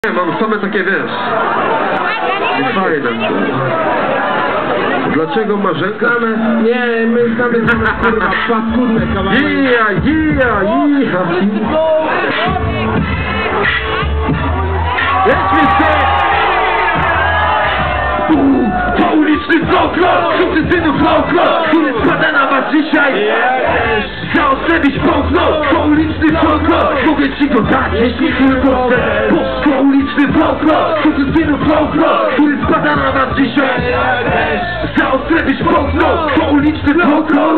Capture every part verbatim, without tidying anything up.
Nie, mam same takie, wiesz, fajne. Dlaczego Marzenka? Znamy, nie, my znamy same, kurwa, paskudne kawałki. Jija, jija, jija. Jedźmy się! To uliczny folklor, sukcesywny folklor, który spada na was dzisiaj. Zaostrzyć pąkno, to uliczny folklor, mogę ci go dać, jeśli tylko chcę. To uliczny folklor, sukcesywny folklor, który spada na was dzisiaj. Zaostrzyć pąkno, to uliczny folklor.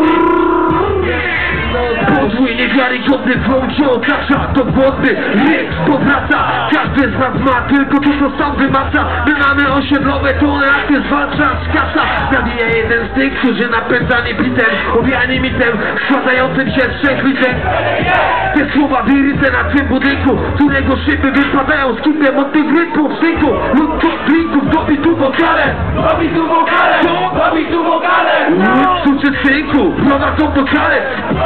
Podwój niewiarygodny wącie otacza, to głodny ryk powraca. Każdy z nas ma tylko to, co sam wymaca. My mamy osiedlowe tony, a ty zwalczasz kasa. Zabija jeden z tych, którzy napędzani bitem, owijani mitem, składającym się z trzech liter. Te słowa wyryte na tym budynku, którego szyby wypadają z kitem od tych rytmów synku lub to drinków, dobi tu wokale, dobi tu wokale, dobi tu wokale. Suczy synku, prowadzą do kary.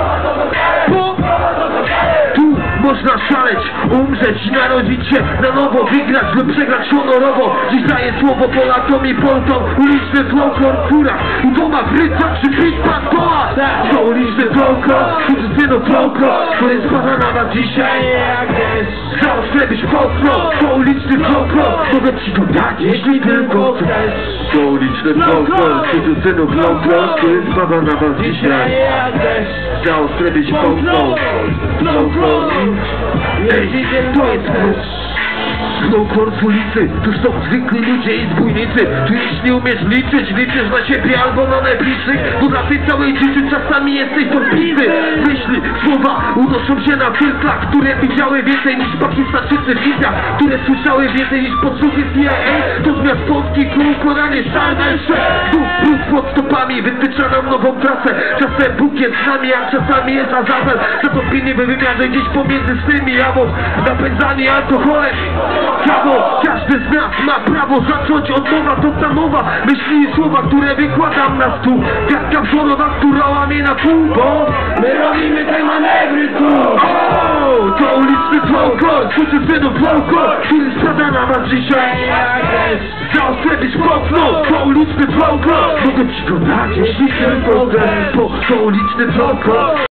Bo tu można szaleć, umrzeć i narodzić się na nowo, wygrać lub przegrać honorowo. Dziś daję słowo Polakom i Polkom, uliczny folklor w górach, u doma w rycach czy bit pastola. To uliczny folklor, uliczny folklor, który spada na was dzisiaj. Zaostrę być folklor, to uliczny folklor, mogę ci go dać, jeśli tylko chcesz. To uliczny folklor, uliczny folklor, który spada na was dzisiaj. Zaostrę być folklor, folklor. Ej, to jest folklor z ulicy, tu są zwykli ludzie i zbójnicy. Tu jeśli umiesz liczyć, liczysz na siebie albo na najbliższych, bo na tej całej dziczy czasami jesteś dorpliwy. Myśli, słowa unoszą się na filtrach, które widziały więcej niż Pakistańczycy w Indiach, które słyszały więcej niż podsłuchy C I A. To zmiast Polski kół, Koranie, szarnejsze. Tu brud pod stopami wytycza nam nową trasę. Czasem Bóg jest z nami, a czasami jest Azazel. Zatopieni we wymiarze gdzieś pomiędzy swymi, albo napędzani alkoholem. Prawo, każdy z nas ma prawo zacząć od nowa, to ta mowa, myśli i słowa, które wykładam na stół. Gadka wzorowa, która łamie na pół, bo my robimy te manewry tu. O, to uliczny folklor, sukcesywny folklor, który spada na was dzisiaj. Zaostrzyć folklor, to uliczny folklor, mogę ci go dać, jeśli tylko chcesz. Bo to uliczny folklor,